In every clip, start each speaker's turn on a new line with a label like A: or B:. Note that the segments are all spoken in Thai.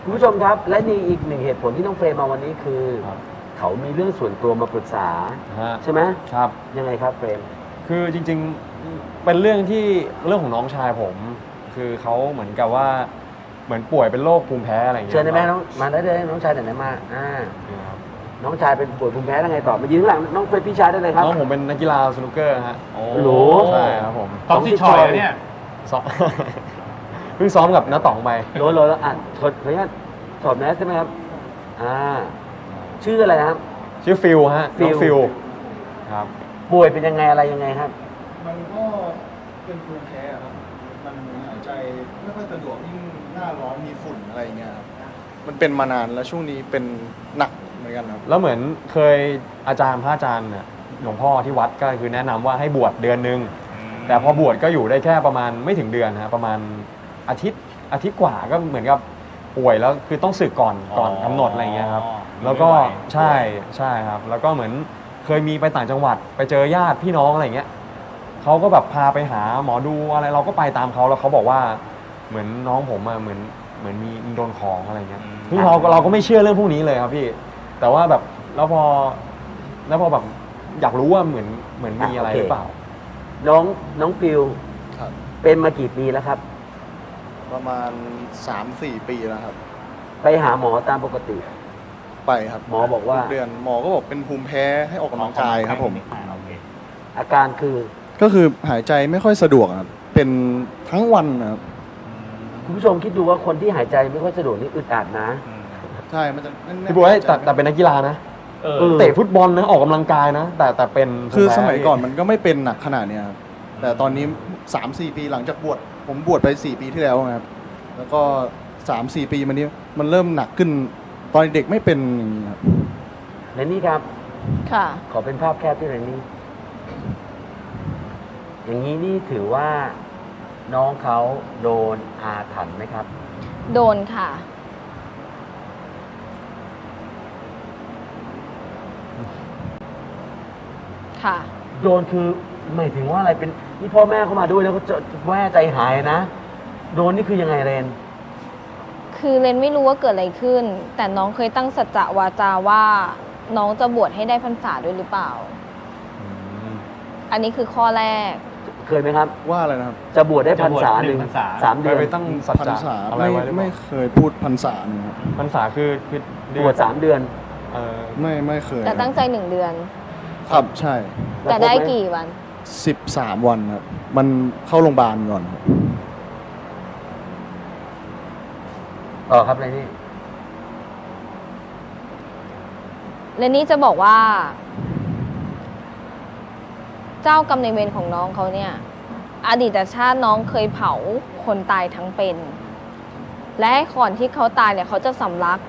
A: คุณผู้ชมครับและนี่อีกหนึ่งเหตุผลที่น้องเฟรมมาวันนี้คือเขามีเรื่องส่วนตัวมาปรึกษาใช่ไหม
B: ครับ
A: ยังไงครับเฟรม
B: คือจริงๆเป็นเรื่องของน้องชายผมคือเขาเหมือนกับว่าเหมือนป่วยเป็นโรคภูมิแพ้อะไรอย่างเงี้ย
A: เชิญได้ไหมน้องมาได้เลยน้องชายไหนมาน้องชายเป็นป่วยภูมิแพ้แล้วไงต่อมายืนข้างหลังน้องเฟรมพี่ชายได้เลยครับ
B: น้องผมเป็นนักกีฬาสนุกเกอร์ฮะ
A: โอ้
B: โหใช่ครับผม
C: ซ้อมที่ชอยเนี่ย
B: ซ้อม เพิ่งซ้อมกับน้าต๋องไป
A: โหลอ่ะขออนุญาตถอดแมสใช่ไหมครับชื่ออะไรครับ
B: ชื่อฟิลฮะน้องฟิลครับ
A: ป่วยเป็นยังไงอะไรยังไงครับ
D: มันก็เป็นภูมิแพ้ครับมันหายใจไม่ค่อยสะดวกยิ่งหน้าร้อนมีฝุ่นอะไรเงี้ยครับมันเป็นมานานแล้วช่วงนี้เป็นหนักเหมือนกันครับ
B: แล้วเหมือนเคยพระอาจารย์เนี่ยหลวงพ่อที่วัดก็คือแนะนำว่าให้บวชเดือนนึงแต่พอบวชก็อยู่ได้แค่ประมาณไม่ถึงเดือนฮะประมาณอาทิตย์กว่าก็เหมือนกับป่วยแล้วคือต้องสึกก่อนกำหนดอะไรเงี้ยครับแล้วก็ใช่ครับแล้วก็เหมือนเคยมีไปต่างจังหวัดไปเจอญาติพี่น้องอะไรเงี้ยเขาก็แบบพาไปหาหมอดูอะไรเราก็ไปตามเขาแล้วเขาบอกว่าเหมือนน้องผมเหมือนมีโดนของอะไรเงี้ยซึ่งเราก็ไม่เชื่อเรื่องพวกนี้เลยครับพี่แต่ว่าแบบแล้วพอแบบอยากรู้ว่าเหมือนมีอะไรหรือเปล่า
A: น้องฟิลเป็นมากี่ปีแล้วครับ
D: ประมาณ 3-4 ปีแล้วครับ
A: ไปหาหมอตามปกติ
D: ไปครับ
A: หมอบอกว่า
D: เดือนหมอก็บอกเป็นภูมิแพ้ให้ออกกำลังกายครับผม
A: อาการ
D: ก็คือหายใจไม่ค่อยสะดวกครับเป็นทั้งวันครับ
A: คุณผู้ชมคิดดูว่าคนที่หายใจไม่ค่อยสะดวกนี่อึดอัดนะ
D: ใช่มันจะ
B: พี่บัวแต่เป็นนักกีฬานะเตะฟุตบอลนะออกกำลังกายนะแต่เป็น
D: คือสมัยก่อนมันก็ไม่เป็นหนักขนาดนี้ครับแต่ตอนนี้ 3-4 ปีหลังจากบวชผมบวชไป4 ปีที่แล้วครับแล้วก็ 3-4 ปีมานี้มันเริ่มหนักขึ้นตอนเด็กไม่เป็นอย่างนี้ครับ
A: เรนนี่ครับ
E: ค่ะ
A: ขอเป็นภาพแคบที่เรนนี่อย่างนี้นี่ถือว่าน้องเขาโดนอาถรรพ์ไหมครับ
E: โดนค่ะค่ะ
A: โดนคือหมายถึงว่าอะไรเป็นนี่พ่อแม่เขามาด้วยแล้วก็จะแม่ใจหายนะโดนนี่คือยังไงเรน
E: คือเรนไม่รู้ว่าเกิดอะไรขึ้นแต่น้องเคยตั้งสัจจะวาจาว่าน้องจะบวชให้ได้พรรษาด้วยหรือเปล่าอันนี้คือข้อแรก
A: เคยไหมครับ
D: ว่าอะไรนะครับ
A: จะบวชได้พรรษาหนึ่ง3 เดือน
B: ไปตั้งสัจจะอะไรไว้
D: ไม่เคยพูดพรรษาหนึ่งครับ
B: พรรษาคือบ
A: วช3 เดือน
D: ไม่เคย
E: แต่ตั้งใจ1 เดือน
D: ครับใช่
E: แต่ได้กี่วัน
D: 13 วันครับมันเข้าโรงพยาบาลก่อนครับ
A: ต่อครับอะไรนี่
E: และนี่จะบอกว่าเจ้ากรรมนายเวรของน้องเขาเนี่ยอดีตชาติน้องเคยเผาคนตายทั้งเป็นและก่อนที่เขาตายเนี่ยเขาจะสำลัก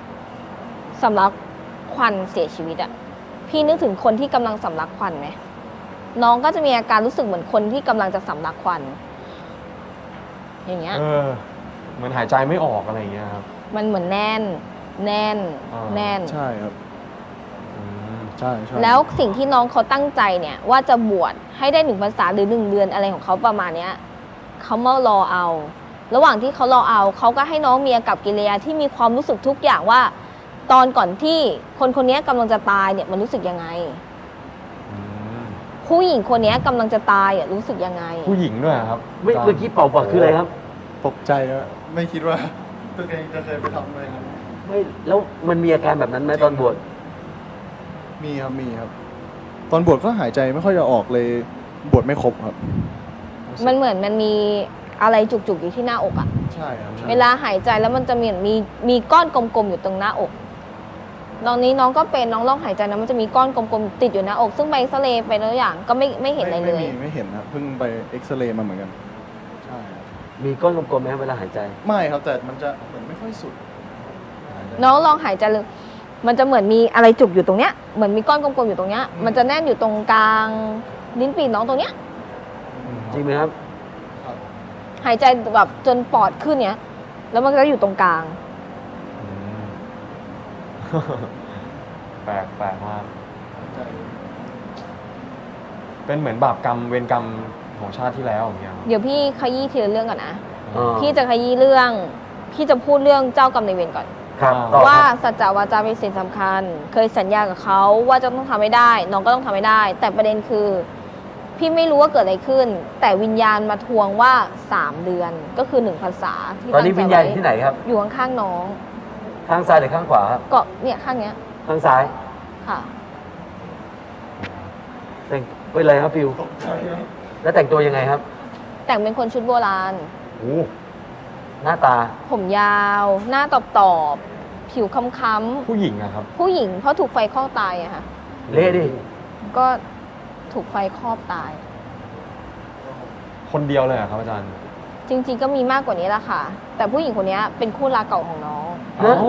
E: ควันเสียชีวิตอะพี่นึกถึงคนที่กำลังสำลักควันไหมน้องก็จะมีอาการรู้สึกเหมือนคนที่กำลังจะสำลักควันอย่างเงี้ย
B: เหมือนหายใจไม่ออกอะไรอย่างเงี้ยครับ
E: มันเหมือนแน่น
D: ใช่ครับใช่
E: แล้วสิ่งที่น้องเขาตั้งใจเนี่ยว่าจะบวชให้ได้1 พรรษาหรือ1 เดือนอะไรของเขาประมาณเนี้ยเขามารอเอาระหว่างที่เขารอเอาเขาก็ให้น้องมีอากับกิริยาที่มีความรู้สึกทุกอย่างว่าตอนก่อนที่คนนี้กำลังจะตายเนี่ยมันรู้สึกยังไงผู้หญิงคนนี้กำลังจะตายอ่ะรู้สึกยังไง
B: ผู้หญิงด้วยครับ
A: เมื่อกี้เป่าคืออะไรครับ
D: ตกใจแล้วไม่คิดว่าตัวเองจะเคยไปทำอะไรครับ
A: ไม่แล้วมันมีอาการแบบนั้นไหมตอนบวช
D: มีครับตอนบวชก็หายใจไม่ค่อยจะออกเลยบวชไม่ครบครับ
E: มันเหมือนมันมีอะไรจุกๆอยู่ที่หน้าอกอ่ะ
D: ใช่ครับ
E: เวลาหายใจแล้วมันจะมีก้อนกลมๆอยู่ตรงหน้าอกตอนนี้น้องก็เป็นน้องลองหายใจนะมันจะมีก้อนกลมๆติดอยู่หน้าอกซึ่งไปเอ็กซเรย์ไปแล้วอย่างก็ไม่เห็นอะไรเลย
D: ไม่เห็นครับเพิ่งไปเอ็กซเรย์มาเหมือนกันใช่
A: มีก้อนกลมๆไหมครับเวลาหายใจ
D: ไม่ครับแต่มันจะเหมือนไม่ค่อยสุด
E: น้องลองหายใจเลยมันจะเหมือนมีอะไรจุกอยู่ตรงเนี้ยเหมือนมีก้อนกลมๆอยู่ตรงเนี้ยมันจะแน่นอยู่ตรงกลางลิ้นปี่น้องตรงเนี้ย
A: จริงไหมครับ
E: หายใจแบบจนปอดขึ้นเนี้ยแล้วมันก็จะอยู่ตรงกลาง
B: แปลกมากเป็นเหมือนบาปกรรมเวรกรรมของชาติที่แล้วอย่างเงี้ย
E: เดี๋ยวพี่ขยี้ทีละเรื่องก่อนนะพี่จะขยี้เรื่องพี่จะพูดเรื่องเจ้ากรรมนายเวรก่อน
A: ครับต่อ
E: ว่า
A: ครับ
E: สัจจาวาจาเป็นสิ่งสำคัญ เคยสัญญากับเขาว่าจะต้องทำให้ได้ น้องก็ต้องทำให้ได้ แต่ประเด็นคือ พี่ไม่รู้ว่าเกิดอะไรขึ้น แต่วิญญาณมาทวงว่า 3 เดือนก็คือ1 พรรษาที่
A: ตอนนี้
E: ตั้
A: วิ
E: ง
A: ญ
E: ใจ
A: ญาณ
E: ไว้
A: อยู่ที่ไหนครับ
E: อยู่ข้างๆน้อง
A: ข้างซ้ายหรือข้างขวาครับ
E: ก็เนี่ยข้างเนี้ย
A: ข้างซ้าย
E: ค่ะ
A: แต่งเป็นอะไรครับฟิวแล้วแต่งตัวยังไงครับ
E: แต่งเป็นคนชุดโบราณ
A: โอ้หน้าตา
E: ผมยาว หน้าตอบๆผิวค้ำ
B: ผู้หญิงอะครับ
E: ๆผู้หญิงเพราะถูกไฟคลอกตายอะค่ะ
A: เละดิ
E: ก็ถูกไฟคลอกตาย
B: คนเดียวเลยเหรอครับอาจารย์
E: จริงๆก็มีมากกว่านี้แหละค่ะ แต่ผู้หญิงคนนี้เป็นคู่รักเก่าของน้อง
A: ฮะ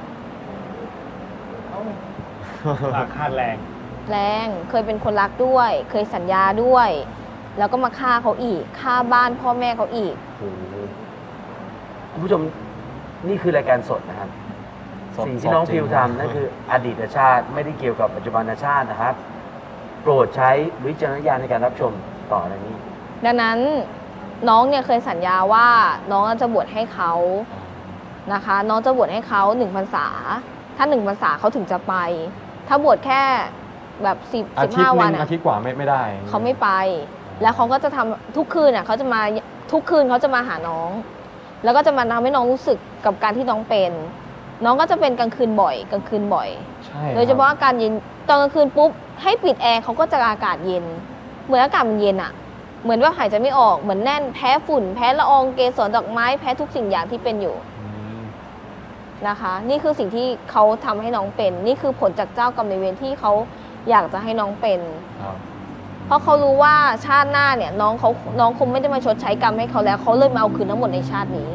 C: ราคาแรง
E: แรงเคยเป็นคนรักด้วย เคยสัญญาด้วย แล้วก็มาฆ่าเขาอีกฆ่าบ้านพ่อแม่เขาอีก
A: โอ้โหคุณผู้ชมนี่คือรายการสดนะครับ
B: สด
A: สิ่งที่น้อง
B: สดจริ
A: ฟิ
B: ง
A: วทำนั่นคืออดีตชาติไม่ได้เกี่ยวกับปัจจุบันชาตินะครับ โปรดใช้วิจารณญาณในการรับชมต่อจากนี้
E: ดังนั้นน้องเนี่ยเคยสัญญาว่าน้องจะบวชให้เขานะคะ น้องจะบวชให้เขา1 พรรษา ถ้า1 พรรษาเขาถึงจะไป ถ้าบวชแค่แบบ
B: อาทิตย์
E: 15
B: ห
E: วั
B: นึ่
E: น
B: งอาทิตย์กว่าไม่ได้
E: เขาไม่ไป แล้วเขาก็จะทำทุกคืนเขาจะมาทุกคืนเขาจะมาหาน้อง แล้วก็จะมาทำให้น้องรู้สึกกับการที่น้องเป็น น้องก็จะเป็นกลางคืนบ่อยกลางคืนบ่อย
B: ใช่
E: โดยเฉพาะอาการเย็นตอนกลางคืนปุ๊บให้ปิดแอร์เขาก็จะอากาศเย็น เหมือนอากาศมันเย็นอะเหมือนว่าหายใจไม่ออกเหมือนแน่นแพ้ฝุ่น แพ้ละอองเกสรดอกไม้แพ้ทุกสิ่งอย่างที่เป็นอยู่
B: อืม
E: นะคะ นี่คือสิ่งที่เขาทำให้น้องเป็น นี่คือผลจากเจ้ากรรมนายเวรที่เขาอยากจะให้น้องเป็น
B: ครับ
E: เพราะเขารู้ว่าชาติหน้าเนี่ยน้องคงไม่ได้มาชดใช้กรรมให้เขาแล้วเขาเลยมาเอาคืนทั้งหมดในชาตินี้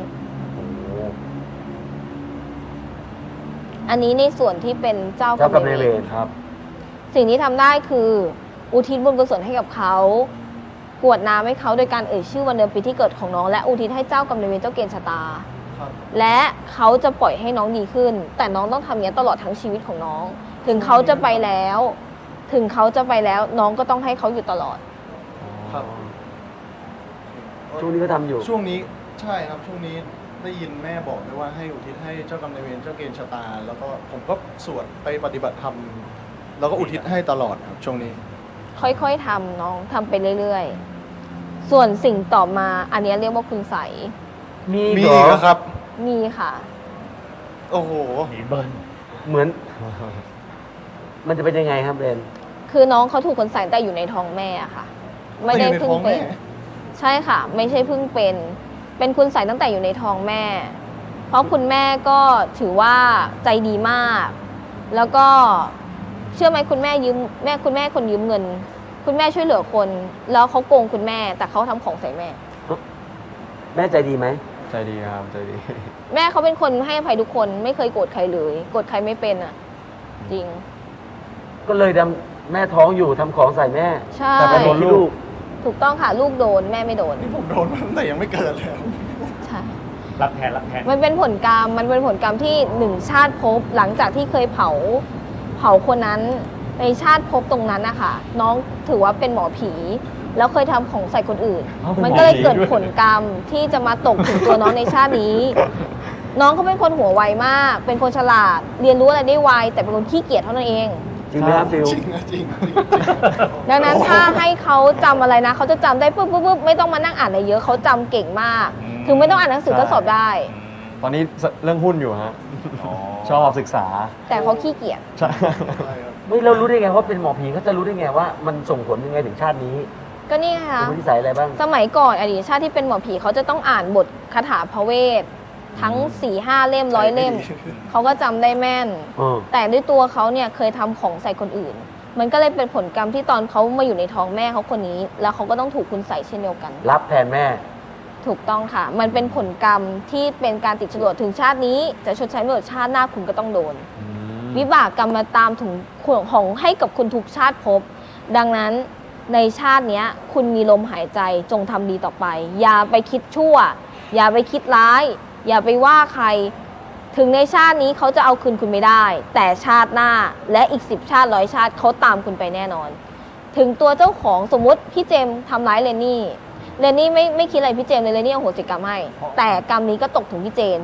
E: อันนี้ในส่วนที่เป็นเจ้ากร
A: เจ้าร
E: ม
A: กรรมาย
E: นานย
A: เว
E: เว
A: ร
E: ร
B: ครับ
E: สิ่งที่ทำได้คืออุทิศบุญกุศลให้กับเขากรวดน้ำให้เขาโดยการเอ่ยชื่อวันเดือนปีที่เกิดของน้องและอุทิศให้เจ้ากรรมนายเวรเจ้าเกณฑ์ชะตา
D: ครับ
E: และเขาจะปล่อยให้น้องดีขึ้น แต่น้องต้องทำอย่างนี้ตลอดทั้งชีวิตของน้อง ถึงเขาจะไปแล้ว น้องก็ต้องให้เขาอยู่ตลอด
D: ครับ
A: ช่วงนี้ก็ทำอยู่
D: ช่วงนี้ใช่ครับช่วงนี้ได้ยินแม่บอกด้วยว่าให้อุทิศให้เจ้ากรรมนายเวรเจ้าเกณฑ์ชะตา แล้วก็ผมก็สวดไปปฏิบัติธรรมแล้วก็อุทิศให้ตลอดครับช่วงนี้
E: ค่อยๆทำน้องทำไปเรื่อยๆ ส่วนสิ่งต่อมาอันนี้เรียกว่าคุณใสย
A: มี
D: มี
A: เหร
D: อีก
A: อ
D: แล้วครับ
E: มีค่ะ
D: โอ้โห
C: หนีเบิร์น
A: เหมือน มันจะเป็นยังไงครับเรน
E: คือน้องเขาถูกคุณใสยแต่อยู่ในท้องแม่อะค่ะ ไม่ได้เพิ่งเป็น ใช่ค่ะ ไม่ใช่เพิ่งเป็นคุณใสยตั้งแต่อยู่ในท้องแม่ เพราะคุณแม่ก็ถือว่าใจดีมาก แล้วก็เชื่อไหมคุณแม่คนยืมเงิน คุณแม่ช่วยเหลือคน แล้วเขาโกงคุณแม่ แต่เขาทำของใส่แม่
A: แม่ใจดีไหม
B: ใจดีครับใจดี
E: แม่เขาเป็นคนให้อภัยทุกคนไม่เคยโกรธใครเลยโกรธใครไม่เป็นอ่ะ จริง
A: ก็เลยทำแม่ท้องอยู่ทำของใส่แม่
E: ใช่
B: แต่ไปโดนลูก
E: ถูกต้องค่ะลูกโดนแม่ไม่โดน
D: นี่ผมโดนมาตั้งแต่ยังไม่เกิดเลยครับ
E: ใช่
C: รับแทน
E: มันเป็นผลกรรม มันเป็นผลกรรมที่หนึ่งชาติภพหลังจากที่เคยเผาคนนั้นในชาติภพตรงนั้นนะคะน้องถือว่าเป็นหมอผี แล้วเคยทำของใส่คนอื่น
B: อ้าวเป็น
E: มันก็เลย
B: หมอผี
E: เกิด
B: ด้วย
E: ผลกรรมที่จะมาตกถึงตัวน้องในชาตินี้ น้องเขาเป็นคนหัวไวมาก เป็นคนฉลาด เรียนรู้อะไรได้ไว แต่เป็นคนขี้เกียจเท่านั้นเอง
A: จริงไหมครับฟิว
D: จริงนะจริง
E: ดังนั้นถ้าให้เขาจำอะไรนะเขาจะจำได้ปุ๊บไม่ต้องมานั่งอ่านอะไรเยอะเขาจำเก่งมาก ถึงไม่ต้องอ่านหนังสือก็สอบได้
B: ตอนนี้เรื่องหุ้นอยู่ฮะ ชอบศึกษา
E: แต่เขาขี้เกียจ
B: ใช่
D: ใช่ครับ
A: ไม่เรารู้ได้ไงว่าเป็นหมอผีเขาจะรู้ได้ไงว่ามันส่งผลยังไงถึงชาตินี้
E: ก็นี่ไงคะ
A: มีนิสัยอะไรบ้าง
E: สมัยก่อนอดีตชาติที่เป็นหมอผีเขาจะต้องอ่านบทคาถาพระเวท ทั้ง 4-5 เล่ม100 เล่ม เขาก็จำได้แม่น แต่ด้วยตัวเขาเนี่ยเคยทำของใส่คนอื่น มันก็เลยเป็นผลกรรมที่ตอนเขามาอยู่ในท้องแม่เขาคนนี้ แล้วเขาก็ต้องถูกคุณใส่เช่นเดียวกัน
A: รับแทนแม่
E: ถูกต้องค่ะ มันเป็นผลกรรมที่เป็นการติดจรวดถึงชาตินี้จะชดใช้เมื่อชาติหน้าคุณก็ต้องโดน วิบากกรรมมาตามถึงของให้กับคุณทุกชาติภพดังนั้นในชาติเนี้ยคุณมีลมหายใจจงทำดีต่อไป อย่าไปคิดชั่ว อย่าไปคิดร้าย อย่าไปว่าใคร ถึงในชาตินี้เขาจะเอาคืนคุณไม่ได้ แต่ชาติหน้าและอีก10 ชาติ100 ชาติเขาตามคุณไปแน่นอน ถึงตัวเจ้าของสมมุติพี่เจมส์ทำร้ายเลนนี่ไม่คิดอะไรพี่เจมส์เลยเลนนี่เอาโหสิกรรมให้แต่กรรมนี้ก็ตกถึงพี่เจน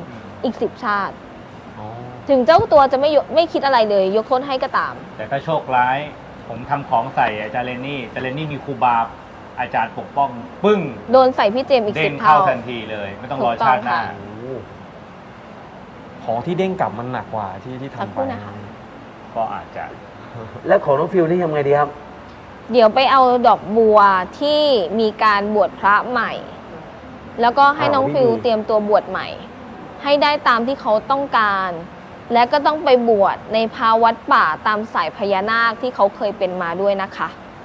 E: อีก10 ชาติ
B: อ๋อ
E: ถึงเจ้าตัวจะไม่คิดอะไรเลย ยกโทษให้ก็ตาม
C: แต่ถ้าโชคร้าย ผมทำของใส่อาจารย์เรนนี่อาจารย์เรนนี่มีครูบาอาจารย์ปกป้อง ปึ้ง
E: โดนใส่พี่เจมส์อีก
C: เด้ง
E: 10
C: เข้า
E: เท่า
C: ทันทีเลย ไม่ต้องรอชาติหน้า
E: ถูกต้องค่ะ
B: โอ้ของที่เด้งกลับมันหนักกว่าที่
E: สัก
B: ทำ
E: ค
B: ไป
E: รู่นะคะ
C: ก็อาจจะ
A: แล้วของน้องฟิลนี่ทำไงดีครับ
E: เดี๋ยวไปเอาดอกบัวที่มีการบวชพระใหม่ แล้วก็ให้น้องฟิลเตรียมตัวบวชใหม่ ให้ได้ตามที่เขาต้องการ และก็ต้องไปบวชในภาวัดป่าตามสายพญานาคที่เขาเคยเป็นมาด้วยนะคะ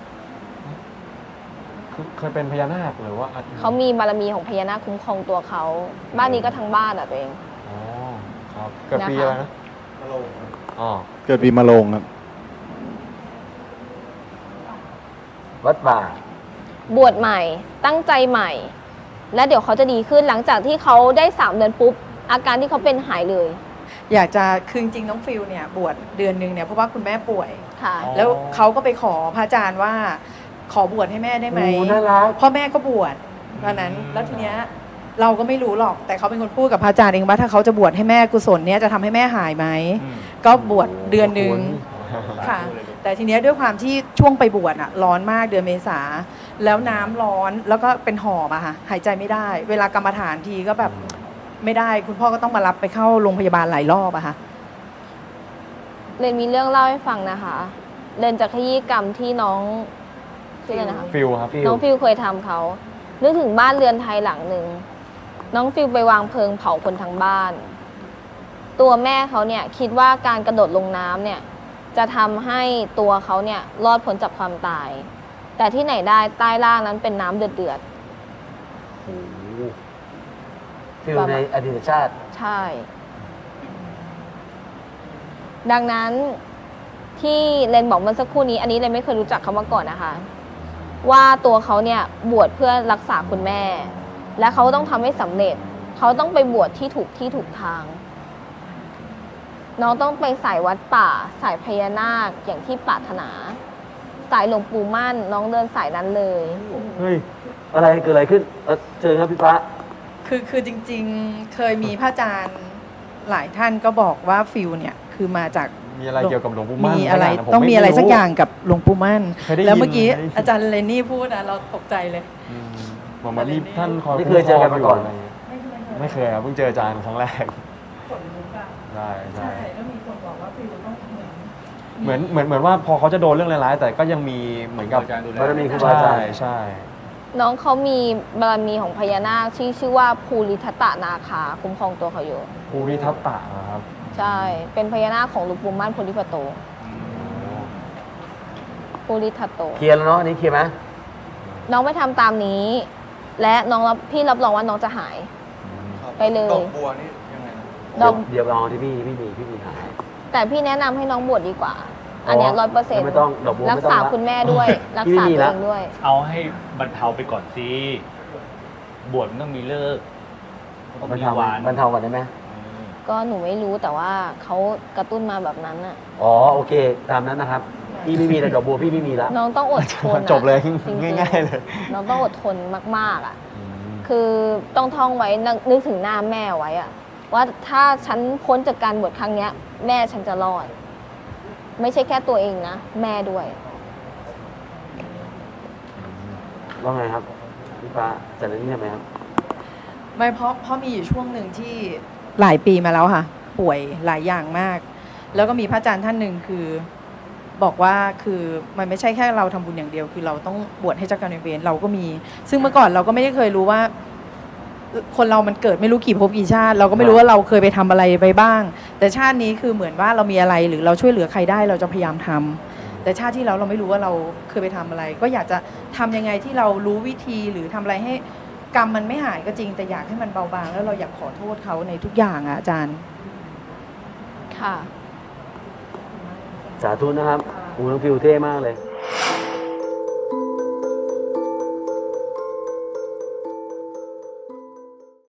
B: เคยเป็นพญานาคหรือว่า
E: เขามีบารมีของพญานาคคุ้มครองตัวเขา บ้านนี้ก็ทั้งบ้านอ่ะตัวเอง
B: อ๋อครับเกิดปีอะไรนะอ๋อ
D: เกิดปีมะโรงครับ
A: วัดป่า
E: บวชใหม่ ตั้งใจใหม่ และเดี๋ยวเขาจะดีขึ้นหลังจากที่เขาได้3 เดือนปุ๊บ อาการที่เขาเป็นหายเลย
F: อยากจะคือจริงๆน้องฟิลเนี่ยบวชเดือนหนึ่งเนี่ยเพราะว่าคุณแม่ป่วย
E: ค่ะ
F: แล้วเขาก็ไปขอพระอาจารย์ว่าขอบวชให้แม่ได้ไหม
A: โอ้น่ารัก
F: พ่อแม่ก็บวชตอนนั้นแล้วทีเนี้ยเราก็ไม่รู้หรอกแต่เขาเป็นคนพูดกับพระอาจารย์เองว่าถ้าเขาจะบวชให้แม่กุศลเนี่ยจะทำให้แม่หายไหม
C: อืม
F: ก็บวชเดือนหนึ่งค่ะ แต่ทีเนี้ยด้วยความที่ช่วงไปบวชอะร้อนมากเดือนเมษาแล้วน้ำร้อนแล้วก็เป็นหอบอะค่ะหายใจไม่ได้ เวลากรรมฐานทีก็แบบไม่ได้คุณพ่อก็ต้องมารับไปเข้าโรงพยาบาลหลายรอบอะค่ะ
E: เรนมีเรื่องเล่าให้ฟังนะคะ เรนจะขยี้กรรมที่น้องชื่ออะไรนะคะ
B: ฟิลครับ
E: น้องฟิลเคยทำเขา นึกถึงบ้านเรือนไทยหลังหนึ่ง น้องฟิลไปวางเพลิงเผาคนทั้งบ้าน ตัวแม่เขาเนี่ยคิดว่าการกระโดดลงน้ำเนี่ยจะทำให้ตัวเขาเนี่ยรอดพ้นจากความตาย แต่ที่ไหนได้ใต้ล่างนั้นเป็นน้ำเดือด
A: โอ้โหฟิลในอดีตชาติ
E: ๆ ใช่ ดังนั้นที่เรนบอกเมื่อสักครู่นี้ อันนี้เรนไม่เคยรู้จักเขามาก่อนนะคะ ว่าตัวเขาเนี่ยบวชเพื่อรักษาคุณแม่ และเขาต้องทำให้สำเร็จ เขาต้องไปบวชที่ถูกที่ถูกทาง น้องต้องไปสายวัดป่า สายพญานาคอย่างที่ปรารถนา สายหลวงปู่มั่น น้องเดินสายนั้นเลย
B: เฮ้ย
A: อะไรเกิดอะไรขึ้นเชิญครับพี่ฟ้า
F: คือจริงๆเคยมีพระอาจารย์หลายท่านก็บอกว่าฟิลเนี่ยคือมาจาก
B: มีอะไรเกี่ยวกับหลวงปู่มั่น
F: มีอะไร
B: สักย่าผ
F: ต้องมีอะไรสักอย่าง
B: ไ
F: กับหลวงปู่มั่น
B: เคยได้ยิน
F: แล้วเมื่อกี้
B: เคยได้ยิน
F: อาจารย์เรนนี่พูดนะเราตกใจเลย
B: อืมผมว่านี่ท่านคอย
A: นี่เคยเจอกันมาก่อน
B: คุ้มครงยู่ะไรเงี้ยไม่เคยครับเพิ่งเจออาจารย์ครั้งแรก
F: ขนลุกอะ
B: ได้ใช่
F: แล้วมีคนบอกว่าฟิลต้องเหมือน
B: เหมือนว่าพอเขาจะโดนเรื่องร้ายๆแต่ก็ยังมีเหมือนกับ
C: อาจารย์ดูแล
A: บารมีครูบาอาจารย์
B: ใช่
E: น้องเขามีบารมีของพญานาคที่ชื่อว่าภูริทัตตนาคาคุ้มครองตัวเขาอยู่
B: ภูริทัตตะนะครับ
E: ใช่ เป็นพญานาคของหลวงปู่มั่นโพธิปัตโตภูริทัตโต
A: เคลียร์แล้วเนาะอันนี้เคลียร์ไหม
E: น้องไปทำตามนี้ และน้องพี่รับรองว่าน้องจะหาย ไปเลย
D: ดอกบัวนี่ยังไงนะ
E: ดอก
A: เดี๋ยวเอาที่พี่มีหาย
E: แต่พี่แนะนำให้น้องบวชดีกว่า อันเนี้100%
A: ไม่ต้องดอกบัว
E: รักษา
A: ไม่ต้องละ
E: คุณแม่ด้วย รัก
A: พี่
E: ษา
A: ไม่มี
E: ตัว
A: ละ
E: เองด้วย
C: เอาให้บรรเทาไปก่อนสิบวชมันต้องมีเลิกษ์ต้อง
A: บรร
C: มี
A: เทา
C: วัน
A: บรรเทาก่อนได้ไหม
E: ก็หนูไม่รู้แต่ว่าเขากระตุ้นมาแบบนั้นน่ะ
A: อ๋อโอเค ตามนั้นนะครับ พี่ไม่มีแต่ดอกบัวพี่ไม่มีละ
E: น้องต้องอดทนอะ
B: จบเลย
E: จริๆ
B: ง่ายๆเลย
E: น้องต้องอดทนมากๆอ่ะ คือต้องท่องไว้นึกถึงหน้าแม่ไว้อะว่าถ้าฉันพ้นจากการบวชครั้งเนี้ย แม่ฉันจะรอด ไม่ใช่แค่ตัวเองนะ แม่ด้วย
A: ว่าไงครับพี่ฟ้าจัดเรื่องนี้ทำไมครับ
F: ไม่เพราะมีอยู่ช่วงหนึ่งที่หลายปีมาแล้วค่ะ ป่วยหลายอย่างมาก แล้วก็มีพระอาจารย์ท่านหนึ่งคือ บอกว่าคือมันไม่ใช่แค่เราทำบุญอย่างเดียว คือเราต้องบวชให้เจ้ากรรมนายเวรเราก็มี ซึ่งเมื่อก่อนเราก็ไม่ได้เคยรู้ว่า คนเรามันเกิดไม่รู้กี่ภพกี่ชาติ เราก็ไม่รู้ว่าเราเคยไปทำอะไรไปบ้าง แต่ชาตินี้คือเหมือนว่าเรามีอะไรหรือเราช่วยเหลือใครได้เราจะพยายามทำแต่ชาติที่แล้วเราไม่รู้ว่าเราเคยไปทำอะไร ก็อยากจะทำยังไงที่เรารู้วิธีหรือทำอะไรให้กรรมมันไม่หายก็จริง แต่อยากให้มันเบาบางแล้วเราอยากขอโทษเขาในทุกอย่างอะอาจารย์
E: ค่ะ
A: สาธุนะครับอูน้องฟิวเท่มากเลย